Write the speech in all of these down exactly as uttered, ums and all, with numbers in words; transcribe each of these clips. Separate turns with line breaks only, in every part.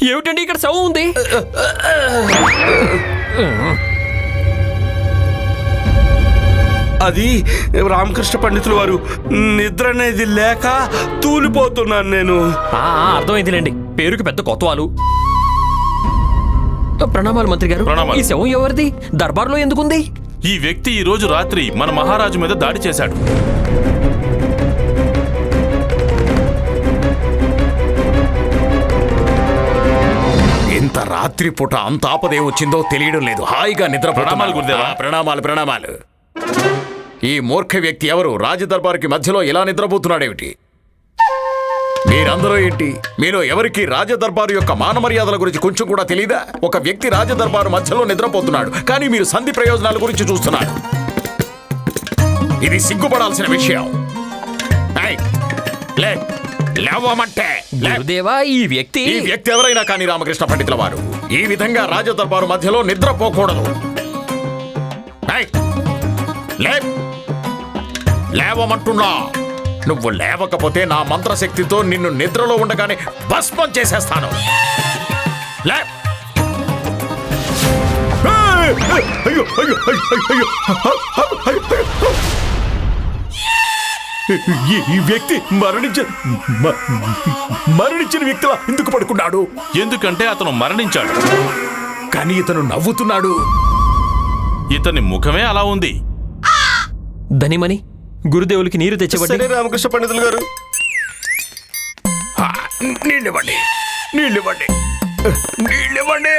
ఏమిటండి ఇక్కడ శవం ఉంది?
అది రామకృష్ణ పండితులు వారు, నిద్ర అనేది లేక తూలిపోతున్నాను నేను.
అర్థమైందిలేండి, పేరుకి పెద్ద కొత్తవాలు. ప్రణామాలు మంత్రి గారు. ఈ శవం ఎవరిది? దర్బార్లో ఎందుకుంది?
ఈ వ్యక్తి ఈ రోజు రాత్రి మన మహారాజు మీద దాడి చేశాడు.
ఇంత రాత్రి పూట అంత ఆపదే వచ్చిందో తెలియడం లేదు. హాయిగా నిద్ర.
ప్రణామాలు గురుదేవా.
ప్రణామాలు ప్రణామాలు. ఈ మూర్ఖ వ్యక్తి ఎవరు? రాజదర్బారుకి మధ్యలో ఇలా నిద్రపోతున్నాడేమిటి? మీరందరూ ఏంటి? మీలో ఎవరికి రాజదర్బారు యొక్క మానమర్యాదల గురించి కొంచెం కూడా తెలీదా? ఒక వ్యక్తి రాజదర్బారు మధ్యలో నిద్రపోతున్నాడు, కానీ మీరు సంధి ప్రయోజనాల గురించి చూస్తున్నారు. ఇది సిగ్గుపడాల్సిన విషయం.
గురుదేవా, ఈ వ్యక్తి
ఈ వ్యక్తి ఎవరైనా కానీ రామకృష్ణ పండితుల వారు ఈ విధంగా రాజదర్బారు మధ్యలో నిద్రపోకూడదు. లేవమంటున్నా. నువ్వు లేవకపోతే నా మంత్రశక్తితో నిన్ను నిద్రలో ఉండగానే భస్మం చేసేస్తాను. లే. ఈ వ్యక్తి మరణించిన మరణించిన వ్యక్తిలా ఎందుకు పడుకున్నాడు?
ఎందుకంటే అతను మరణించాడు.
కానీ ఇతను నవ్వుతున్నాడు.
ఇతని ముఖమే అలా ఉంది.
ధనిమని, గురుదేవులకి నీరు తెచ్చివ్వండి.
రామకృష్ణ పండితులు గారు,
నీళ్ళివ్వండి, నీళ్ళివ్వండి, నీళ్ళివ్వండి.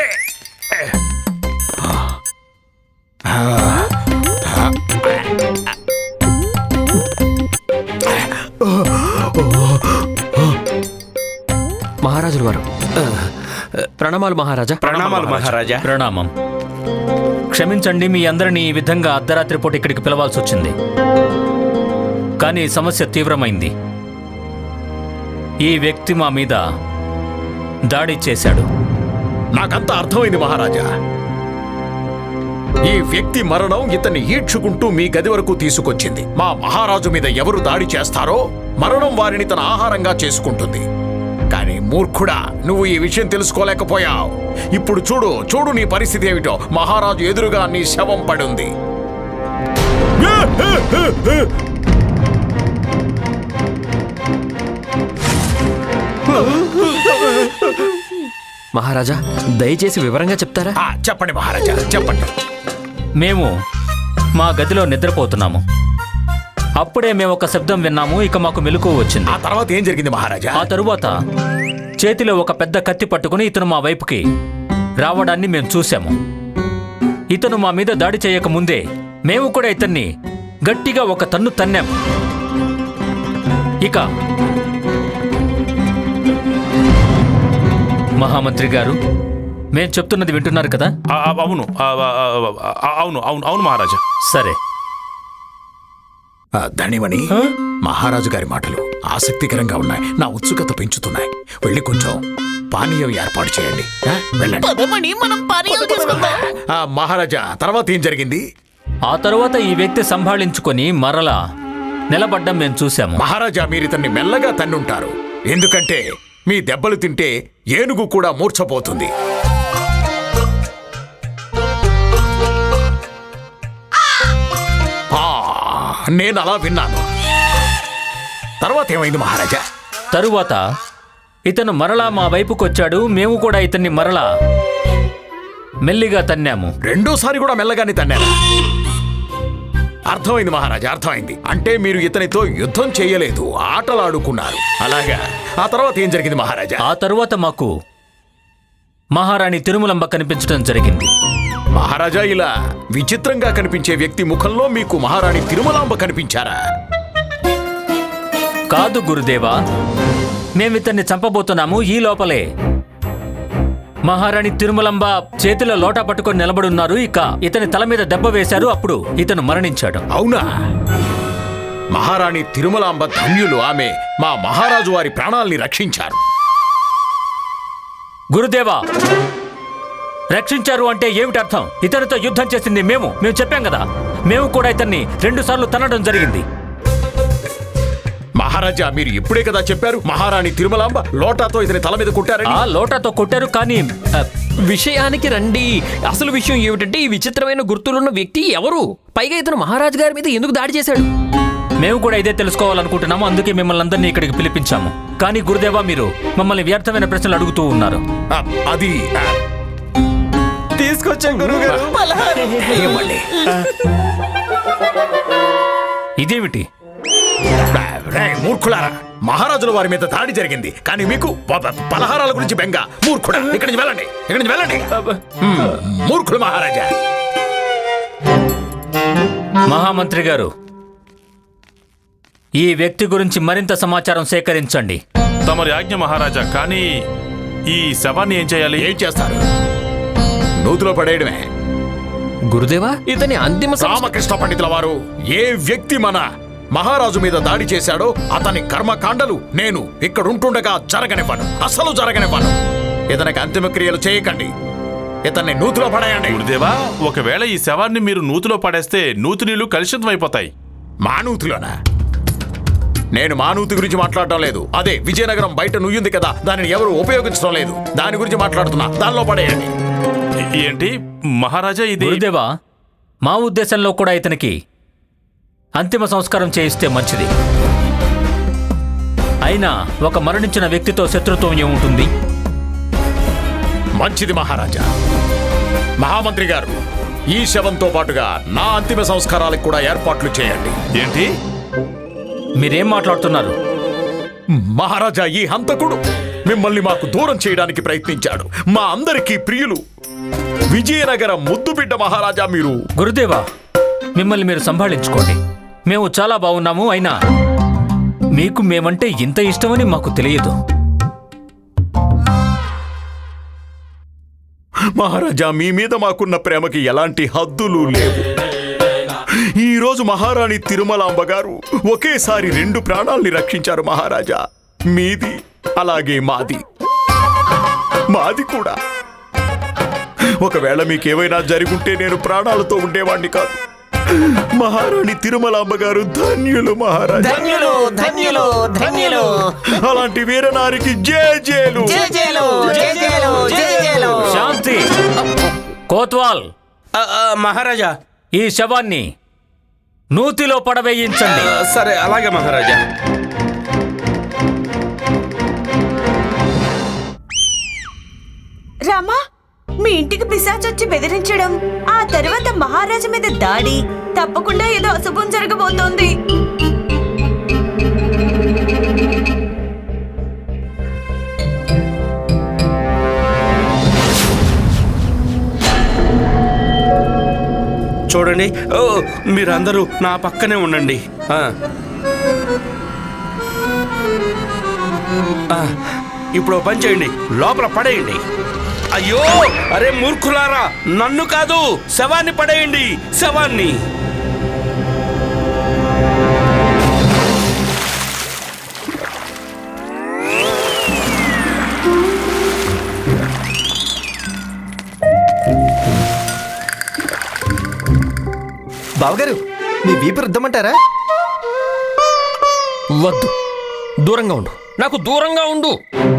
మహారాజుల వారు. ప్రణామాలు మహారాజా.
ప్రణామాలు మహారాజా.
ప్రణామం. క్షమించండి, మీ అందరినీ ఈ విధంగా అర్ధరాత్రి పూట ఇక్కడికి పిలవాల్సి వచ్చింది. కానీ సమస్య తీవ్రమైంది. ఈ వ్యక్తి మా మీద దాడి చేశాడు.
నాకంతా అర్థమైంది మహారాజా. ఈ వ్యక్తి మరణం ఇతన్ని ఈడ్చుకుంటూ మీ గది వరకు తీసుకొచ్చింది. మా మహారాజు మీద ఎవరు దాడి చేస్తారో మరణం వారిని తన ఆహారంగా చేసుకుంటుంది. కానీ మూర్ఖుడా, నువ్వు ఈ విషయం తెలుసుకోలేకపోయావు. ఇప్పుడు చూడు చూడు నీ పరిస్థితి ఏమిటో. మహారాజు ఎదురుగా నీ శవం పడుంది.
మహారాజా, దయచేసి వివరంగా చెప్తారా?
చెప్పండి మహారాజా, చెప్పండి.
మేము మా గదిలో నిద్రపోతున్నాము. అప్పుడే మేము ఒక శబ్దం విన్నాము. ఇక మాకు మెలకువ వచ్చింది.
ఆ తర్వాత ఏం జరిగింది మహారాజా?
ఆ తరువాత చేతిలో ఒక పెద్ద కత్తి పట్టుకుని ఇతను మా వైపుకి రావడాన్ని మేము చూశాము. ఇతను మా మీద దాడి చేయక ముందే మేము కూడా ఇతన్ని గట్టిగా ఒక తన్ను తన్నాము. ఇక మహామంత్రి గారు, మేం చెప్తున్నది వింటున్నారు కదా?
అవును అవును అవును అవును మహారాజా.
సరే.
ధనిమణి, మహారాజు గారి మాటలు ఆసక్తికరంగా ఉన్నాయి. నా ఉత్సుకత పెంచుతున్నాయి. వెళ్ళి కొంచెం పానీయం ఏర్పాటు చేయండి. వెళ్ళండి. మహారాజా, తర్వాత ఏం జరిగింది?
ఆ తరువాత ఈ వ్యక్తి సంభాళించుకొని మరలా నిలబడ్డం మేము చూశాము.
మహారాజా, మీరు ఇతన్ని మెల్లగా తన్నుంటారు. ఎందుకంటే మీ దెబ్బలు తింటే ఏనుగు కూడా మూర్ఛపోతుంది. నేను అలా విన్నాను. తర్వాత ఏమైంది మహారాజా?
తరువాత ఇతను మరలా మా వైపుకు వచ్చాడు. మేము కూడా ఇతన్ని మరలా మెల్లిగా తన్నాము.
రెండోసారి కూడా మెల్లగానే తన్నారా? అర్థమైంది మహారాజా, అర్థమైంది. అంటే మీరు ఇతనితో యుద్ధం చేయలేదు, ఆటలాడుకున్నారు. అలాగా. ఆ తర్వాత ఏం జరిగింది మహారాజా?
ఆ తరువాత మాకు మహారాణి తిరుమలంబ కనిపించడం జరిగింది.
మహారాజా, ఇలా విచిత్రంగా కనిపించే వ్యక్తి ముఖంలో మీకు మహారాణి తిరుమలాంబ కనిపించారా?
కాదు గురుదేవా, మేమితన్ని చంపబోతున్నాము. ఈ లోపలే మహారాణి తిరుమలంబ చేతిలో లోటా పట్టుకొని నిలబడున్నారు. ఇక ఇతని తల మీద దెబ్బ వేశారు. అప్పుడు ఇతను మరణించాడు.
అవునా? మహారాణి తిరుమలాంబ ధన్యులు. ఆమె మా మహారాజు వారి ప్రాణాల్ని రక్షించారు.
గురుదేవా, రక్షించారు అంటే ఏమిటి అర్థం? ఇతనితో యుద్ధం చేసింది మేము. మేము చెప్పాం కదా, మేము కూడా ఇతన్ని రెండు సార్లు తనడం జరిగింది.
మహారాజు మహారాజా మీరు ఇప్పుడే కదా చెప్పారు మహారాణి తిరుమలాంబ లోటాతో ఇతని తల మీద కొట్టారని.
ఆ లోటాతో కొట్టారు కానీ ఆ,
విషయానికి రండి. అసలు విషయం ఏమిటంటే ఈ విచిత్రమైన గుర్తులున్న వ్యక్తి ఎవరు? పైగా ఇతను మహారాజు గారి మీద ఎందుకు దాడి చేశాడు?
మేము కూడా ఇదే తెలుసుకోవాలనుకుంటున్నాము, అందుకే మిమ్మల్ని అందరినీ ఇక్కడికి పిలిపించాము. కానీ గురుదేవా మీరు మమ్మల్ని వ్యర్థమైన ప్రశ్నలు అడుగుతూ ఉన్నారు.
ఆ, అది ఆ,
తీసుకొచ్చాం గురువుగారు
ఏమండి?
ఇదేమిటి?
ఆ, రేయ్, మూర్ఖులారా మహారాజుల వారి మీద దాడి జరిగింది కానీ మీకు ప- ప- పలహారాల గురించి బెంగ. మూర్ఖుడా ఇక్కడి నుంచి వెళ్ళండి, ఇక్కడి నుంచి వెళ్ళండి. హ్మ్, మూర్ఖులు మహారాజా.
మహామంత్రి గారు, ఈ వ్యక్తి గురించి మరింత సమాచారం సేకరించండి.
తమరి ఆజ్ఞ మహారాజా. కానీ ఈ శవాన్ని ఏం చేయాలి?
ఏం చేస్తారు? నూతిలో పడేయడమే.
గురుదేవా, ఇతని అంతిమ సంస్క-
రామకృష్ణ పండితుల వారు ఏ వ్యక్తి మన మహారాజు మీద దాడి చేశాడో అతని కర్మకాండలు నేను ఇక్కడుంటుండగా జరగనివ్వను, అసలు జరగనివ్వను. ఇతనికి అంతిమ క్రియలు చేయకండి, ఇతన్ని నూతిలో పడేయండి.
గురుదేవా, ఒకవేళ ఈ శవాన్ని మీరు నూతిలో పడేస్తే నూతి నీళ్లు కలుషితం అయిపోతాయి.
మా నూతిలోనా? నేను మా నూతి గురించి మాట్లాడటం లేదు. అదే విజయనగరం బయట నుయ్యింది కదా, దానిని ఎవరు ఉపయోగించడం లేదు, దాని గురించి మాట్లాడుతున్నా. దానిలో పడేయండి.
ఏ- ఏంటి మహారాజా ఇది?
గురుదేవా, మా ఉద్దేశంలో కూడా ఇతనికి అంతిమ సంస్కారం చేయిస్తే మంచిది. అయినా ఒక మరణించిన వ్యక్తితో శత్రుత్వం ఏముంటుంది?
మంచిది మహారాజా. మహామంత్రి గారు ఈ శవంతో పాటుగా నా అంతిమ సంస్కారాలకు కూడా ఏర్పాట్లు చేయండి.
ఏంటి?
మీరేం మాట్లాడుతున్నారు?
మహారాజా, ఈ హంతకుడు మిమ్మల్ని మాకు దూరం చేయడానికి ప్రయత్నించాడు. మా అందరికీ ప్రియులు విజయనగరం ముద్దు బిడ్డ మహారాజా మీరు.
గురుదేవా, మిమ్మల్ని మీరు సంభాళించుకోండి. మేము చాలా బాగున్నాము, అయినా మీకు మేమంటే ఇంత ఇష్టమని మాకు తెలియదు.
మహారాజా, మీ మీద మాకున్న ప్రేమకి ఎలాంటి హద్దులు లేవు. ఈ రోజు మహారాణి తిరుమలాంబ గారు ఒకేసారి రెండు ప్రాణాల్ని రక్షించారు మహారాజా. మీది అలాగే మాది, మాది కూడా. ఒకవేళ మీకేమైనా జరుగుంటే నేను ప్రాణాలతో ఉండేవాణ్ణి కాదు. మహారాణి తిరుమలాంబ గారు ధన్యులు మహారాజా.
ధన్యులు ధన్యులు ధన్యులు
అలాంటి వీరనారికి జయ జయలు.
జయ జయలు జయ జయలు జయ జయలు.
శాంతి! కోత్వాల్,
ఆ, ఆ, మహారాజా.
ఈ శవాన్ని నూతిలో పడవేయించండి.
ఆ, సరే అలాగే మహారాజా.
రామా, మీ ఇంటికి పిశాచొచ్చి బెదిరించడం, ఆ తర్వాత మహారాజు మీద దాడి, తప్పకుండా ఏదో అశుభం జరగబోతోంది.
చూడండి, ఓ మీరందరూ నా పక్కనే ఉండండి. ఆ. ఆ, ఇప్పుడు ఓ పని చేయండి, లోపల పడేయండి. అయ్యో, అరే మూర్ఖులారా, నన్ను కాదు శవాన్ని పడేయండి, శవాన్ని.
బావగారు, మీ వీపు రుద్దమంటారా?
వద్దు, దూరంగా ఉండు, నాకు దూరంగా ఉండు.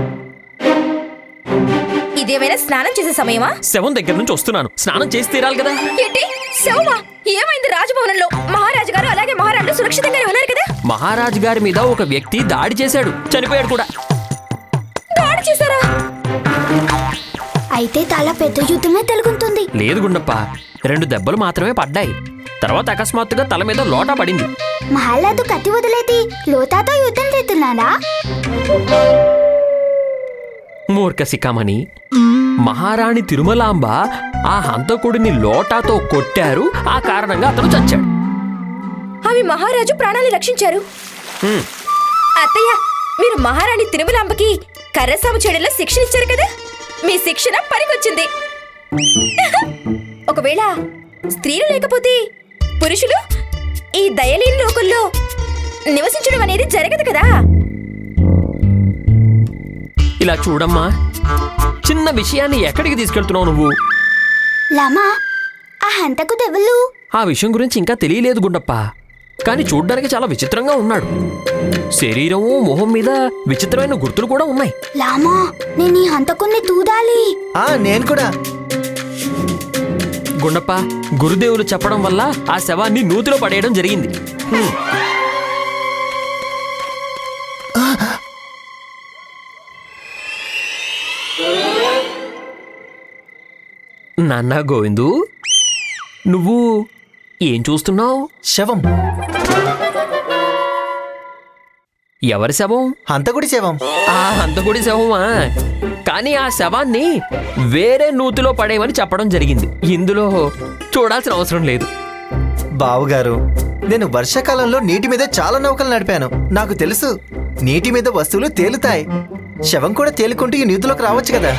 ఇదేమైనా స్నానం చేసే సమయమా?
శవం దగ్గర నుంచి వస్తున్నాను, స్నానం చేసి తీరాలి కదా.
ఏంటి శవమా? ఏమైంది? రాజభవనంలో మహారాజు గారు అలాగే మహారాణులు సురక్షితంగానే ఉన్నారు కదా?
మహారాజు గారి మీద ఒక వ్యక్తి దాడి చేశాడు, చనిపోయాడు కూడా.
దాడి చేశారా?
అయితే చాలా పెద్ద యుద్ధమే తెలుగుతుంది.
లేదు గుండప్ప, రెండు దెబ్బలు మాత్రమే పడ్డాయి. తర్వాత అకస్మాత్తుగా తల మీద లోటా పడింది.
మహాలాదు కత్తి వదిలేది లోతాతో యుద్ధం చేస్తున్నాడా?
మూర్ఖ శిఖామణి, మహారాణి తిరుమలాంబ ఆ హంతకుడిని లోటాతో కొట్టారు, ఆ కారణంగా అతను చచ్చాడు.
అవి మహారాజు ప్రాణాలు రక్షించారు. అత్తయ్య, మీరు మహారాణి తిరుమలాంబకి కర్రసాము చేయడంలో శిక్షణ ఇచ్చారు కదా, మీ శిక్షణ పనికొచ్చింది. ఒకవేళ స్త్రీలు లేకపోతే పురుషులు ఈ దయలేని లోకంలో నివసించడం అనేది జరగదు కదా.
ఇలా చూడమ్మా, చిన్న విషయాన్ని ఎక్కడికి తీసుకెళ్తున్నావు నువ్వు?
లామా, ఆ హంతకు దెవ్వలు
ఆ విషయం గురించి ఇంకా తెలియలేదు గుండప్ప. కానీ చూడ్డానికి చాలా విచిత్రంగా ఉన్నాడు. శరీరం మొహం మీద విచిత్రమైన గుర్తులు కూడా ఉన్నాయి.
లామా నేను ఈ హంతకుణ్ణి తూదాలి.
ఆ నేను కూడా.
గుండప్ప, గురుదేవులు చెప్పడం వల్ల ఆ శవాన్ని నూతిలో పడేయడం జరిగింది. హ్మ్. నాన్న గోవిందు, నువ్వు ఏం చూస్తున్నావు?
శవం.
ఎవరి శవం?
హంతకుడి శవం.
ఆ హంతకుడి శవమా? కానీ ఆ శవాన్ని వేరే నూతిలో పడేయమని చెప్పడం జరిగింది. ఇందులో చూడాల్సిన అవసరం లేదు.
బావుగారు, నేను వర్షాకాలంలో నీటి మీద చాలా నౌకలు నడిపాను. నాకు తెలుసు, నీటి మీద వస్తువులు తేలుతాయి. శవం కూడా తేలుకుంటూ ఈ నీటిలోకి రావచ్చు కదా.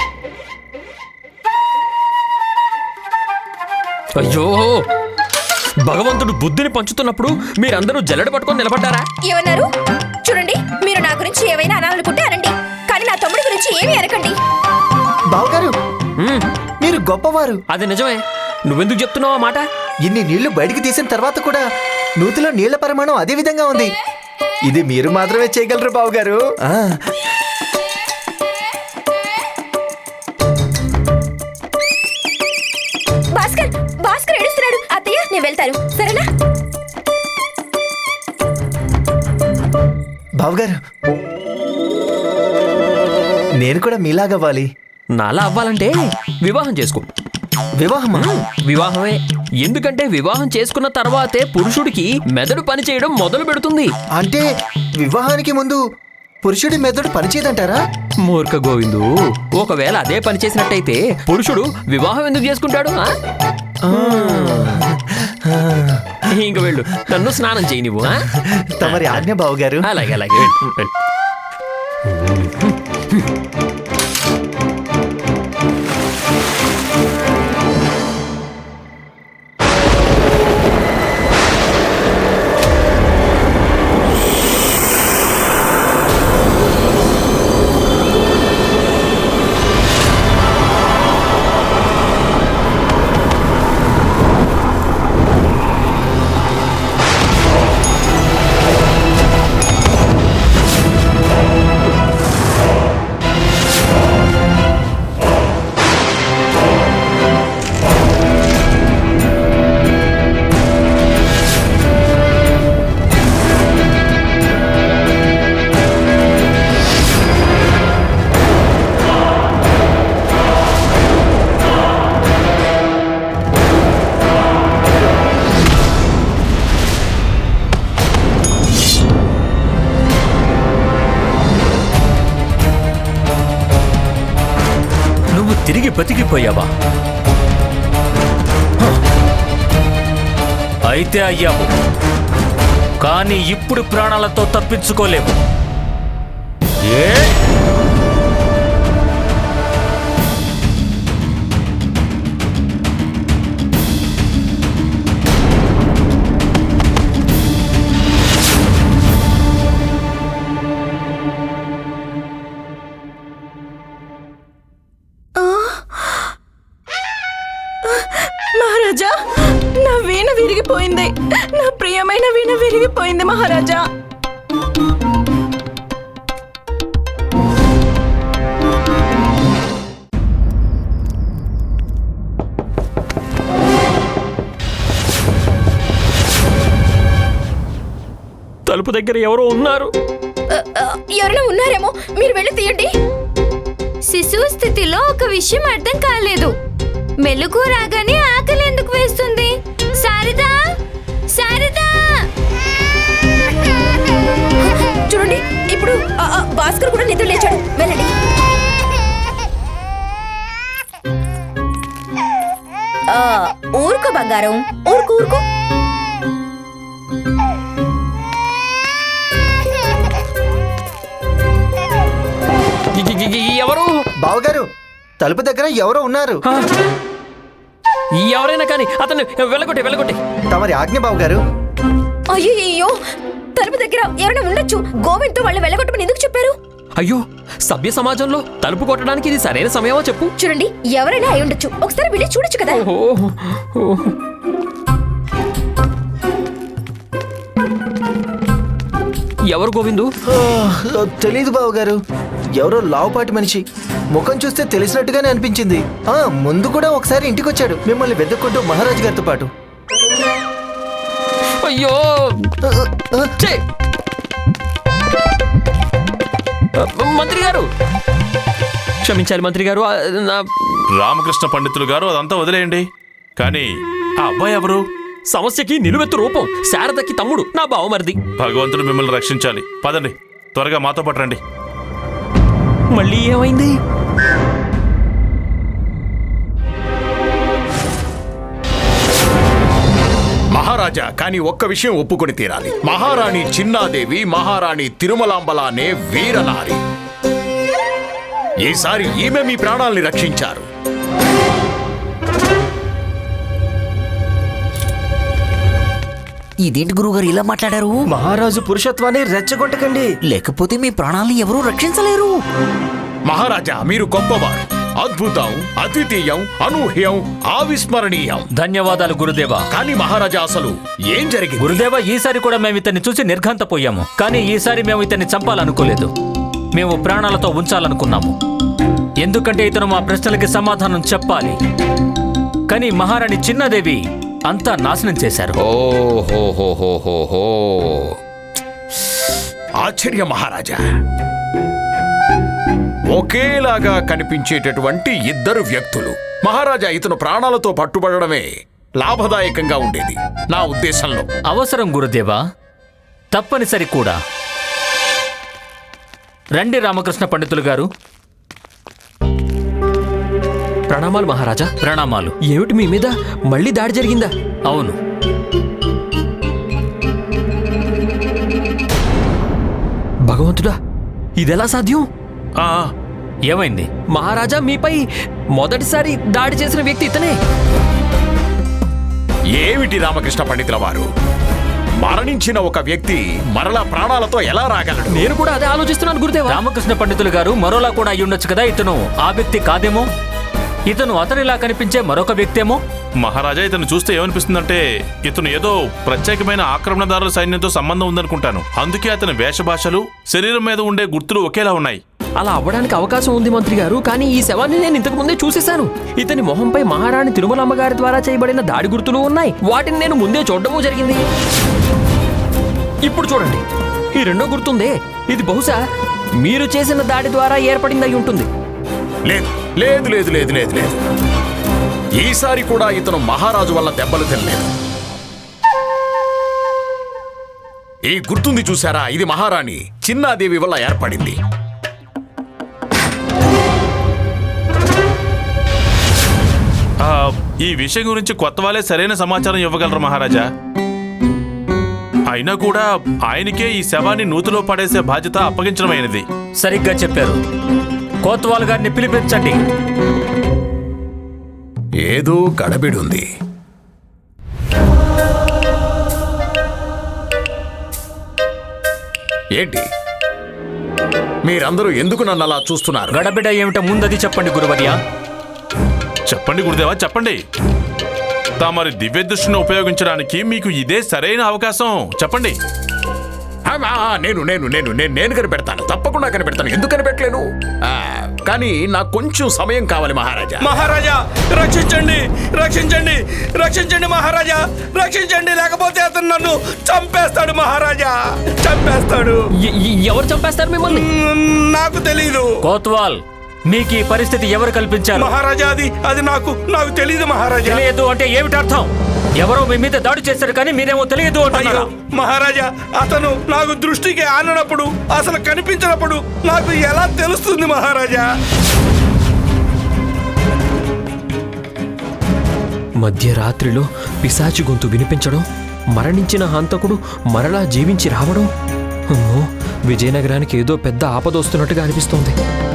అయ్యో, భగవంతుడు బుద్ధిని పంచుతున్నప్పుడు మీరందరూ జల్లెడ పట్టుకొని నిలబడ్డారా?
ఏమన్నారు? చూడండి, మీరు నా గురించి ఏమైనా అనాలనుకుంటే అనండి, కానీ నా తమ్ముడి గురించి ఏమీ అనకండి.
బావుగారు,
హ్మ్,
మీరు గొప్పవారు.
అది నిజమే. నువ్వెందుకు చెప్తున్నావు ఆ మాట?
ఇన్ని నీళ్లు బయటికి తీసిన తర్వాత కూడా నూతిలో నీళ్ల పరిమాణం అదే విధంగా ఉంది. ఇది మీరు మాత్రమే చేయగలరు బావుగారు. ఆ,
భాస్కర్ భాస్కర్ ఏడుస్తున్నాడు. అత్తయ్య, నేను వెళ్తాను, సరేనా?
బావుగారు, నేను కూడా మీలాగవ్వాలి.
నాలా అవ్వాలంటే వివాహం చేసుకో.
వివాహమా?
వివాహమే. ఎందుకంటే వివాహం చేసుకున్న తర్వాతే పురుషుడికి మెదడు పని చేయడం మొదలు పెడుతుంది.
అంటే వివాహానికి ముందు పురుషుడి మెదడు పనిచేయదంటారా?
మూర్ఖ గోవిందు, ఒకవేళ అదే పని చేసినట్టయితే పురుషుడు వివాహం ఎందుకు చేసుకుంటాడు? ఆ? ఇంక వెళ్ళు, నన్ను స్నానం చేయి నువ్వు. ఆ?
తమరి ఆజ్ఞ బావుగారు.
అలాగే అలాగే వెళ్ళు, వెళ్ళు.
తిరిగి బతికిపోయావా? హ. అయితే అయ్యావు, కానీ ఇప్పుడు ప్రాణాలతో తప్పించుకోలేవు. ఏ
మహారాజా, నా వీణ విరిగిపోయింది. నా ప్రియమైన వీణ విరిగిపోయింది మహారాజా.
తలుపు దగ్గర ఎవరో ఉన్నారు.
ఎవరైనా ఉన్నారేమో, మీరు వెళ్ళి తీయండి.
శిశువు స్థితిలో ఒక విషయం అర్థం కాలేదు. మెలుగు రాగానే ఆకలి ఎందుకు వేస్తుంది? శారదా, శారదా!
చూడండి, ఇప్పుడు ఆ, ఆ, భాస్కర్ కూడా నిద్ర లేచాడు. వెళ్ళండి. ఆ, ఊరుకో బంగారం, ఊరుకు ఊరుకో.
ఎవరు?
బావగారు, తలుపు దగ్గర ఎవరో ఉన్నారు.
ఎవరైనా కానీ అతన్ని వెళ్ళగొట్టే వెళ్ళగొట్టే
తమరి ఆజ్ఞ బావగారు.
అయ్యో, తలుపు దగ్గర ఎవరైనా ఉండొచ్చు. గోవింద్ తో వాళ్ళు వెళ్ళగొట్టమని ఎందుకు చెప్పారు?
అయ్యో, సభ్య సమాజంలో తలుపు కొట్టడానికి ఇది సరైన సమయమో చెప్పు.
చూడండి, ఎవరైనా అయి ఉండొచ్చు. ఒకసారి వెళ్ళి చూడొచ్చు కదా.
ఓహో. ఎవరు గోవిందు?
ఆ, తెలీదు బావగారు. ఎవరో లావుపాటి మనిషి. ముఖం చూస్తే తెలిసినట్టుగానే అనిపించింది. ఆ ముందు కూడా ఒకసారి ఇంటికి వచ్చాడు, మిమ్మల్ని వెతుక్కుంటూ మహారాజు గారితో పాటు.
అయ్యో ఛే! మంత్రి గారు క్షమించాలి మంత్రి గారు. ఆ, నా
రామకృష్ణ పండితులు గారు అదంతా వదిలేయండి. కానీ ఆ అబ్బాయి ఎవరు?
సమస్యకి నిలువెత్తు రూపం. శారదకి తమ్ముడు, నా బావమరిది.
భగవంతుడు మిమ్మల్ని రక్షించాలి. పదండి, త్వరగా మాతో పాటు రండి.
మళ్ళీ ఏమైంది?
మహారాజా, కానీ ఒక్క విషయం ఒప్పుకొని తీరాలి. మహారాణి చిన్నాదేవి మహారాణి తిరుమలాంబలానే వీరనారి. ఈసారి ఈమె మీ ప్రాణాల్ని రక్షించారు.
ఇదేంటి గురువుగారు ఇలా మాట్లాడారు?
మహారాజు పురుషత్వాన్ని రెచ్చగొట్టకండి.
లేకపోతే మీ ప్రాణాలను ఎవరూ రక్షించలేరు.
మహారాజా, మీరు గొప్పవారు. అద్భుతం, అద్వితీయం, అనూహ్యం, అవిస్మరణీయం.
ధన్యవాదాలు గురుదేవా.
కానీ మహారాజా, అసలు ఏం జరిగింది?
గురుదేవా, ఈసారి కూడా మేము ఇతన్ని చూసి నిర్ఘాంతపోయాము. కానీ ఈసారి మేము ఇతన్ని చంపాలనుకోలేదు. మేము ప్రాణాలతో ఉంచాలనుకున్నాము. ఎందుకంటే ఇతను మా ప్రశ్నలకి సమాధానం చెప్పాలి. కానీ మహారాణి చిన్నదేవి అంతా నాశనం చేశారు.
ఓహోహోహోహో! ఆశ్చర్య మహారాజా. ఒకేలాగా కనిపించేటటువంటి ఇద్దరు వ్యక్తులు. మహారాజా, ఇతను ప్రాణాలతో పట్టుబడడమే లాభదాయకంగా ఉండేది నా ఉద్దేశంలో.
అవసరం గురుదేవా, తప్పనిసరి కూడా. రండి రామకృష్ణ పండితులు గారు.
ప్రణామాలు మహారాజా.
ప్రణామాలు.
ఏమిటి, మీ మీద మళ్ళీ దాడి జరిగిందా?
అవును.
భగవంతుడా, ఇదెలా సాధ్యం?
ఆ,
ఏమైంది?
మహారాజా, మీపై మొదటిసారి దాడి చేసిన వ్యక్తి ఇతనే.
ఏమిటి రామకృష్ణ పండితుల వారు? మరణించిన ఒక వ్యక్తి మరలా ప్రాణాలతో ఎలా రాగలడు?
నేను కూడా అదే ఆలోచిస్తున్నాను గురుదేవా.
రామకృష్ణ పండితులు గారు, మరోలా కూడా అయ్యుండొచ్చు కదా. ఇతను ఆ వ్యక్తి కాదేమో. ఇతను అతనిలా కనిపించే మరొక వ్యక్తేమో.
మహారాజా, ఇతను చూస్తే ఏమనిపిస్తుందంటే ఇతను ఏదో ప్రత్యేకమైన ఆక్రమణదారుల సైన్యంతో సంబంధం ఉందనుకుంటాను. అందుకే అతని వేషభాషలు, శరీరం మీద ఉండే గుర్తులు ఒకేలా ఉన్నాయి.
అలా అవ్వడానికి అవకాశం ఉంది మంత్రి గారు. కానీ ఈ శవాన్ని నేను ఇంతకు ముందే చూసేశాను. ఇతని మొహంపై మహారాణి తిరుమలమ్మ గారి ద్వారా చేయబడిన దాడి గుర్తులు ఉన్నాయి. వాటిని నేను ముందే చూడడము జరిగింది. ఇప్పుడు చూడండి, ఈ రెండో గుర్తుందే, ఇది బహుశా మీరు చేసిన దాడి ద్వారా ఏర్పడింది అయి ఉంటుంది.
లేదు లేదు లేదు లేదు లేదు లేదు ఈసారి కూడా ఇతను మహారాజు వల్ల దెబ్బలు తినలేదు. ఈ గుర్తుంది చూసారా? ఇది మహారాణి చిన్నాదేవి వల్ల ఏర్పడింది.
ఆ, ఈ విషయం గురించి కొత్త వాళ్ళే సరైన సమాచారం ఇవ్వగలరు మహారాజా. అయినా కూడా ఆయనకే ఈ శవాన్ని నూతిలో పడేసే బాధ్యత అప్పగించడమైనది.
సరిగ్గా చెప్పారు. కోత్వాల్ గారిని పిలిపించండి.
ఏదో గడబిడుంది. ఏంటి మీరందరూ ఎందుకు నన్ను అలా చూస్తున్నారు?
గడబిడ ఏమిటో ముందది చెప్పండి గురువర్య.
చెప్పండి గురుదేవా, చెప్పండి. తమరి దివ్య దృష్టిని ఉపయోగించడానికి మీకు ఇదే సరైన అవకాశం. చెప్పండి.
ఆ, నేను నేను నేను నేను నేను కనిపెడతాను, తప్పకుండా కనిపెడతాను. ఎందుకు కనిపెట్టలేను? ఆ, కానీ నాకు కొంచెం సమయం కావాలి మహారాజా.
మహారాజా, రక్షించండి, రక్షించండి, రక్షించండి మహారాజా, రక్షించండి. లేకపోతే అతను నన్ను చంపేస్తాడు మహారాజా, చంపేస్తాడు.
ఎ- ఎ- ఎవరు చంపేస్తారు మిమ్మల్ని?
మ్మ్, నాకు తెలీదు
కోత్వాల్, మీకు ఈ పరిస్థితి ఎవరు కల్పించారు?
మహారాజా. అది అది నాకు నాకు తెలియదు మహారాజా.
తెలియదు అంటే ఏమిటి అర్థం? ఎవరో మీ మీద దాడి చేశారు కానీ మీరేమో తెలియదు
అయ్యో
అంటున్నారా?
మహారాజా, అతను నాకు దృష్టికి ఆననప్పుడు, అసలు కనిపించినప్పుడు నాకు ఎలా తెలుస్తుంది మహారాజా?
మధ్యరాత్రిలో పిశాచి గొంతు వినిపించడం, మరణించిన హంతకుడు మరలా జీవించి రావడం. అమ్మో, విజయనగరానికి ఏదో పెద్ద ఆపదొస్తున్నట్టుగా అనిపిస్తోంది.